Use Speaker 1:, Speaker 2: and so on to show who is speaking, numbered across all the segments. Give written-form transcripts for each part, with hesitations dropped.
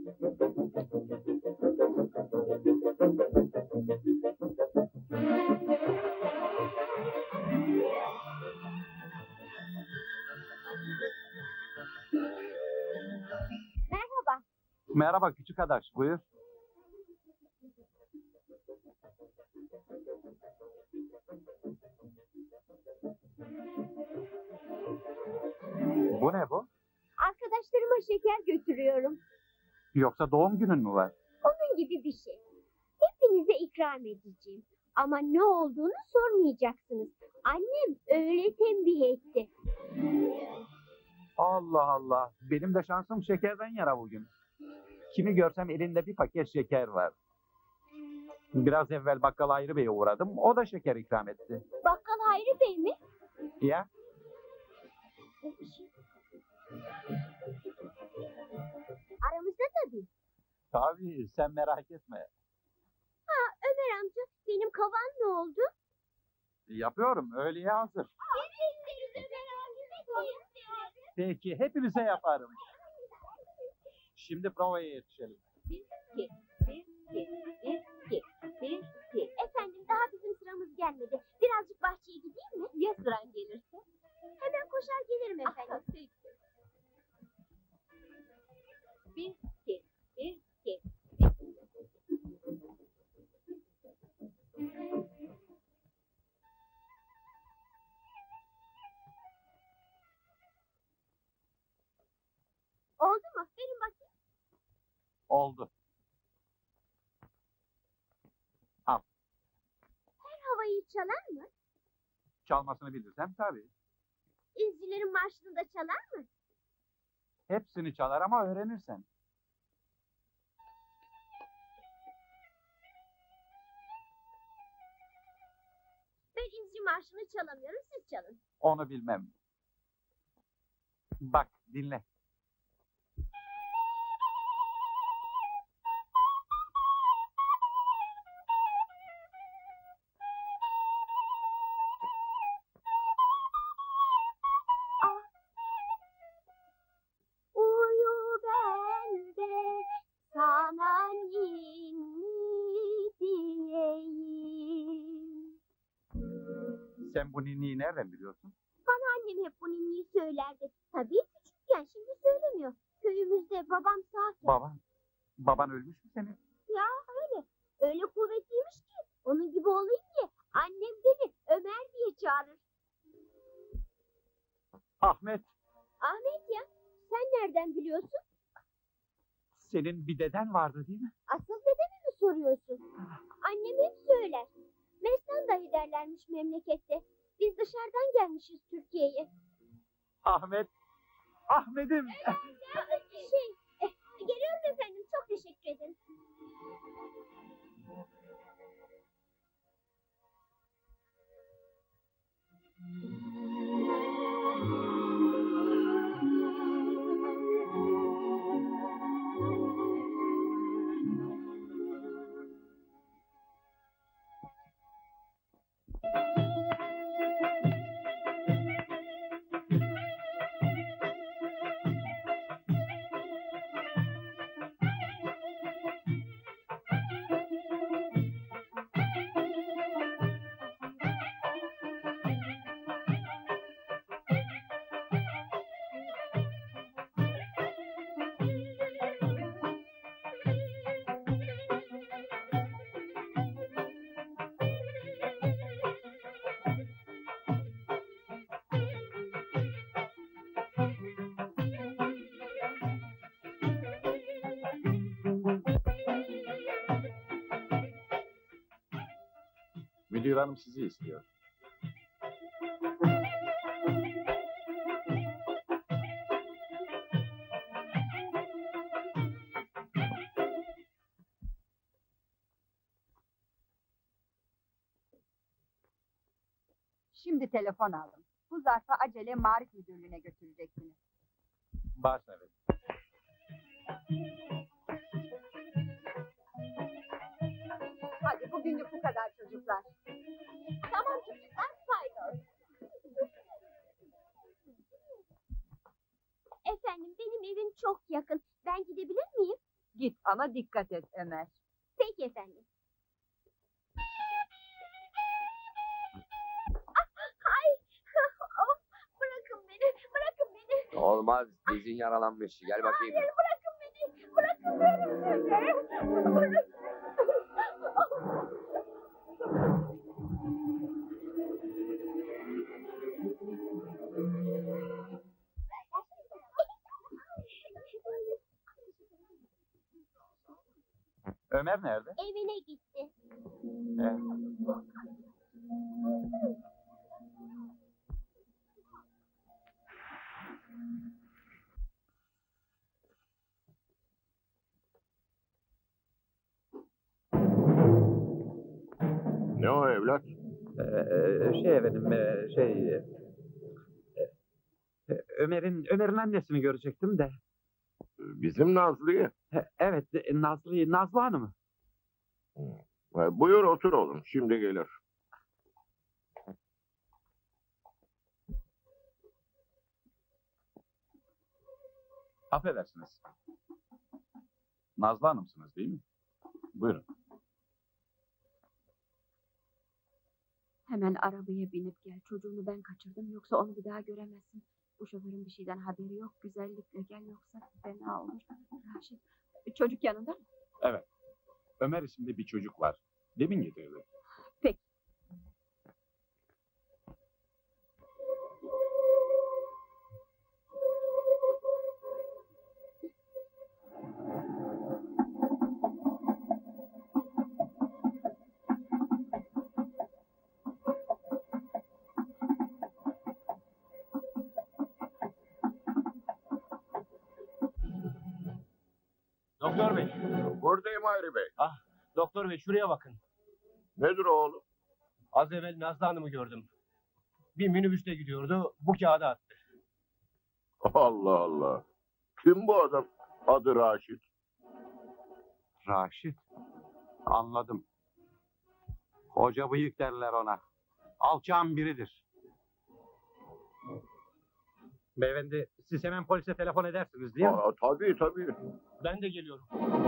Speaker 1: Merhaba.
Speaker 2: Merhaba küçük adaş, buyur. Bu ne bu?
Speaker 1: Arkadaşlarıma şeker götürüyorum.
Speaker 2: Yoksa doğum günün mü var?
Speaker 1: Onun gibi bir şey. Hepinize ikram edeceğim. Ama ne olduğunu sormayacaksınız. Annem öyle tembih etti.
Speaker 2: Allah Allah, benim de şansım şekerden yana bugün. Kimi görsem elinde bir paket şeker var. Biraz evvel bakkal Hayri Bey'e uğradım, o da şeker ikram etti.
Speaker 1: Bakkal Hayri Bey mi?
Speaker 2: Ya,
Speaker 1: Aramızda tabii.
Speaker 2: tabii sen merak etme.
Speaker 1: Ömer amca, benim kavan ne oldu?
Speaker 2: Yapıyorum, öğleye hazır. Peki, hepinize yaparım. Şimdi provaya yetişelim.
Speaker 1: Efendim, daha bizim sıramız gelmedi. Birazcık bahçeye gideyim mi? Ya sıran gelirse? Hemen koşar gelirim efendim. Bir, iki. Oldu mu? Verin bakayım.
Speaker 2: Oldu.
Speaker 1: Her havayı çalar mı?
Speaker 2: Çalmasını bilirsem tabii.
Speaker 1: İzcilerin marşını da çalar mı?
Speaker 2: Hepsini çalar ama öğrenirsen.
Speaker 1: Ben izci marşını çalamıyorum, siz çalın.
Speaker 2: Onu bilmem. Bak, dinle.
Speaker 1: Uyu bende, sana ninni diyeyim.
Speaker 2: Sen bu ninniyi nereden biliyorsun?
Speaker 1: Bana annem hep bu ninniyi söylerdi. Tabii küçükken, şimdi söylemiyor. Köyümüzde babam sağken.
Speaker 2: Baban ölmüş mü senin?
Speaker 1: Ya öyle. Öyle kuvvetliymiş ki. Onun gibi olayım diye annem beni Ömer diye çağırır.
Speaker 2: Ahmet,
Speaker 1: Ahmet ya, sen nereden biliyorsun?
Speaker 2: senin bir deden vardı değil mi?
Speaker 1: Asıl dedemi mi soruyorsun? Annem hep söyler. Mestan dahi derlermiş memlekette. Biz dışarıdan gelmişiz Türkiye'ye.
Speaker 2: Ahmet'im.
Speaker 1: Geliyorum efendim. Çok teşekkür ederim.
Speaker 3: Müdür hanım sizi istiyor.
Speaker 4: Şimdi telefon aldım. Bu zarfı acele Marif Müdürlüğü'ne götüreceksiniz.
Speaker 2: Baş evet.
Speaker 4: Hadi bugünlük bu kadar çocuklar.
Speaker 1: Tamam çocuklar, paydos. Efendim, benim evim çok yakın. Ben gidebilir miyim?
Speaker 4: Ama dikkat et Ömer.
Speaker 1: Peki efendim. Ay! Of! Bırakın beni, bırakın beni.
Speaker 3: Olmaz. Dizin yaralanmış. Gel bakayım.
Speaker 1: Hayır, bırakın beni. Bırakın beni. Bırakın.
Speaker 2: Ömer nerede?
Speaker 1: Evine gitti.
Speaker 2: He.
Speaker 5: Ne o evlat?
Speaker 2: Şey efendim, Ömer'in annesini görecektim de.
Speaker 5: Bizim Nazlı'yı.
Speaker 2: Evet, Nazlı Hanım.
Speaker 5: Buyur otur oğlum, şimdi gelir.
Speaker 2: Affedersiniz. Nazlı Hanım'sınız değil mi? Buyurun.
Speaker 6: Hemen arabaya binip gel. Çocuğunu ben kaçırdım. Yoksa onu bir daha göremezsin. Bu şoförün bir şeyden haberi yok. Güzellikle gel yoksa fena olur. Raşit, çocuk yanında mı?
Speaker 2: Evet. Ömer isimli bir çocuk var. Demin getirdi.
Speaker 6: Peki.
Speaker 7: Doktor bey,
Speaker 5: Buradayım Hayri Bey.
Speaker 7: doktor bey şuraya bakın.
Speaker 5: Nedir oğlum?
Speaker 7: Az evvel Nazlı Hanım'ı gördüm. Bir minibüste gidiyordu, bu kağıdı attı.
Speaker 5: Allah Allah. Kim bu adam? Adı Raşit.
Speaker 2: Raşit. Anladım. Hoca bıyık derler ona. Alçağın biridir. Beyefendi, siz hemen polise telefon edersiniz değil mi?
Speaker 5: Tabii tabii.
Speaker 7: Ben de geliyorum.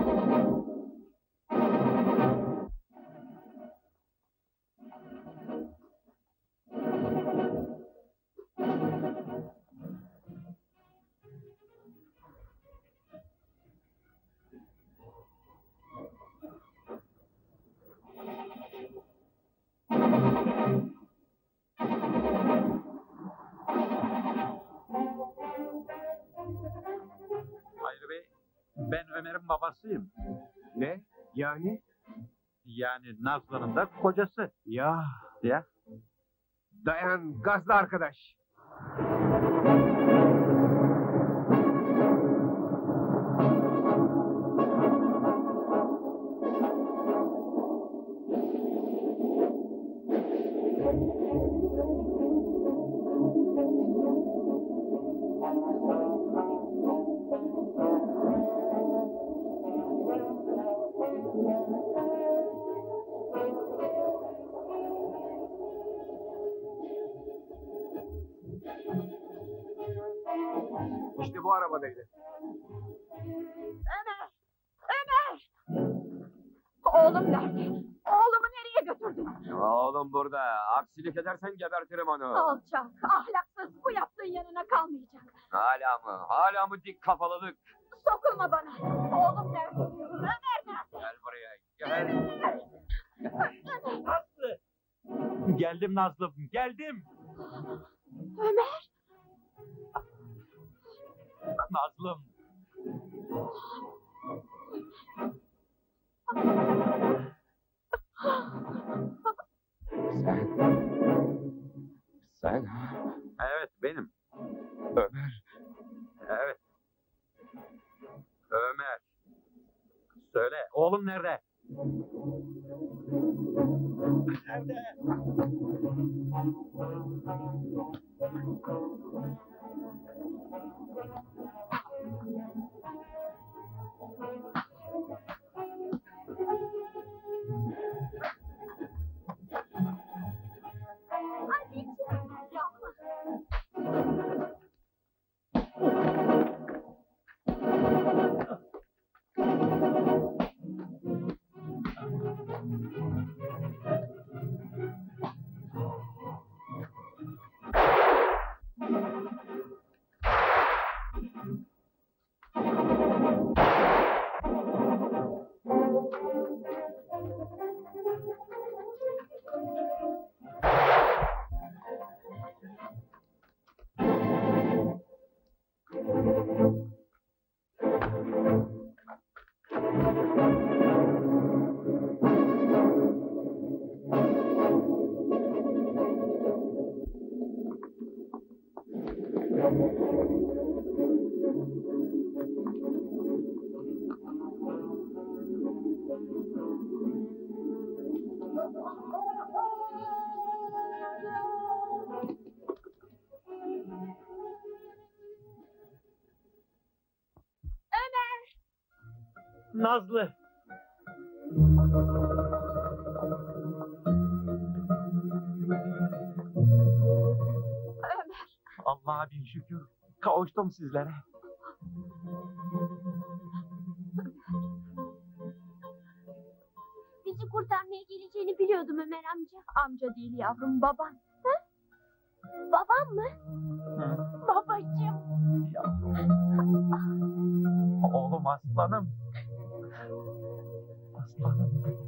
Speaker 2: Hayır Bey, ben Ömer'in babasıyım.
Speaker 7: Ne? Yani?
Speaker 2: Yani Nazlı'nın da kocası.
Speaker 7: Ya.
Speaker 2: Ya.
Speaker 7: Dayan, gazlı arkadaş. İşte bu arabadaydı.
Speaker 6: Oğlum nerede? Oğlumu nereye götürdün?
Speaker 3: Oğlum burada. Aksilik edersen gebertirim onu.
Speaker 6: Alçak, ahlaksız. Bu yaptığın yanına kalmayacak.
Speaker 3: Hala mı? Hala mı dik kafalılık?
Speaker 6: Sokulma bana. Oğlum nerede diyorum. Ömer nerede?
Speaker 3: Gel buraya. Gel.
Speaker 2: Nazlı! Geldim Nazlı, geldim.
Speaker 6: Ömer.
Speaker 2: Nazlım.
Speaker 3: Sen?
Speaker 2: Evet, benim.
Speaker 3: Ömer.
Speaker 2: Evet. Ömer. Söyle, oğlum nerede? Nerede?
Speaker 1: Anneciğim, yapma.
Speaker 2: Nazlı. Allah'a bin şükür. Kavuştum sizlere.
Speaker 1: Bizi kurtarmaya geleceğini biliyordum Ömer amca.
Speaker 6: Amca değil yavrum, baban.
Speaker 1: Babam mı? Babacığım.
Speaker 2: Oğlum aslanım. Aslanım.